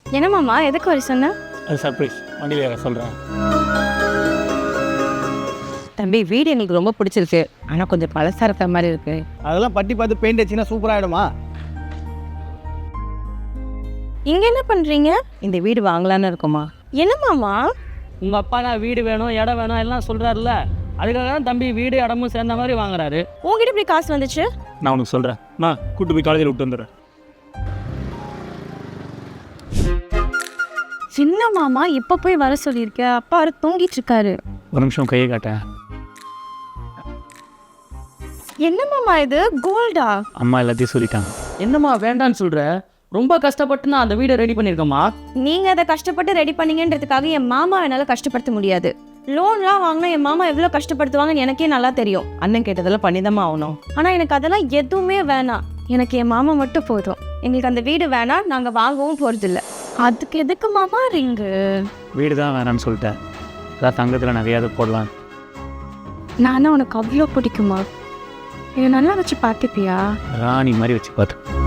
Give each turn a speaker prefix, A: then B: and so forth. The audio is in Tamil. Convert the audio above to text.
A: என்ன மாமா எதுக்கு வர சொன்ன?
B: அது சர்ப்ரைஸ், வண்டியில் சொல்கிறேன்.
C: தம்பி வீடு எங்களுக்கு ரொம்ப பிடிச்சிருக்கு, ஆனால் கொஞ்சம் பழசாக இருக்கிற மாதிரி இருக்கு.
D: அதெல்லாம் பட்டி பார்த்து பெயிண்ட் அடிச்சுன்னா சூப்பராகிடுமா?
A: இங்க என்ன பண்றீங்க?
C: இந்த வீடு வாங்கலான்னு இருக்கோமா?
A: என்ன மாமா?
E: உங்கள் அப்பா நான் வீடு வேணும் இடம் வேணும் எல்லாம் சொல்கிறாருல்ல, அதுக்காக தான் தம்பி வீடு இடமும் சேர்ந்த மாதிரி வாங்குறாரு.
A: உங்ககிட்ட இப்படி காசு வந்துச்சு?
B: நான் உனக்கு சொல்கிறேன், நான் கூட்டு போய் காலேஜில் விட்டு வந்துடுறேன்.
A: சின்ன மாமா இப்ப போய் வர சொல்லியிருக்க, அப்பா அவரு தூங்கிட்டு இருக்காரு.
B: ஒரு நிமிஷம் கையை காட்டேன்.
A: என்ன மாமா இது கோல்டா?
B: அம்மா எல்லாத்தையும் சொல்லிட்டாங்க.
E: என்னம்மா வேண்டான்னு சொல்கிற? ரொம்ப கஷ்டப்பட்டு நான் அந்த வீடை ரெடி பண்ணியிருக்கேம்மா.
A: நீங்க அதை கஷ்டப்பட்டு ரெடி பண்ணீங்கன்றதுக்காக என் மாமா என்னால கஷ்டப்படுத்த முடியாது. லோன்லாம் வாங்கினா என் மாமா எவ்வளோ கஷ்டப்படுத்துவாங்கன்னு எனக்கே நல்லா தெரியும்.
C: அண்ணன் கேட்டதெல்லாம் பண்ணிதாம்மா ஆகணும்.
A: ஆனா எனக்கு அதெல்லாம் எதுவுமே வேணாம். எனக்கு என் மாமா மட்டும் போதும். எங்களுக்கு அந்த வீடு வேணாம், நாங்க வாங்கவும் போறதில்ல. அதுக்கு எதுக்கு மாமா ரிங்கு?
B: வீடு தான் வேணான்னு சொல்லிட்டேன். அதான் தங்கத்தில் நகையாவது போடலாம்.
A: நானும் உனக்கு அவ்வளோ பிடிக்குமா? இதை நல்லா வச்சு பார்த்துப்பியா?
B: ராணி மாதிரி வச்சு பார்த்து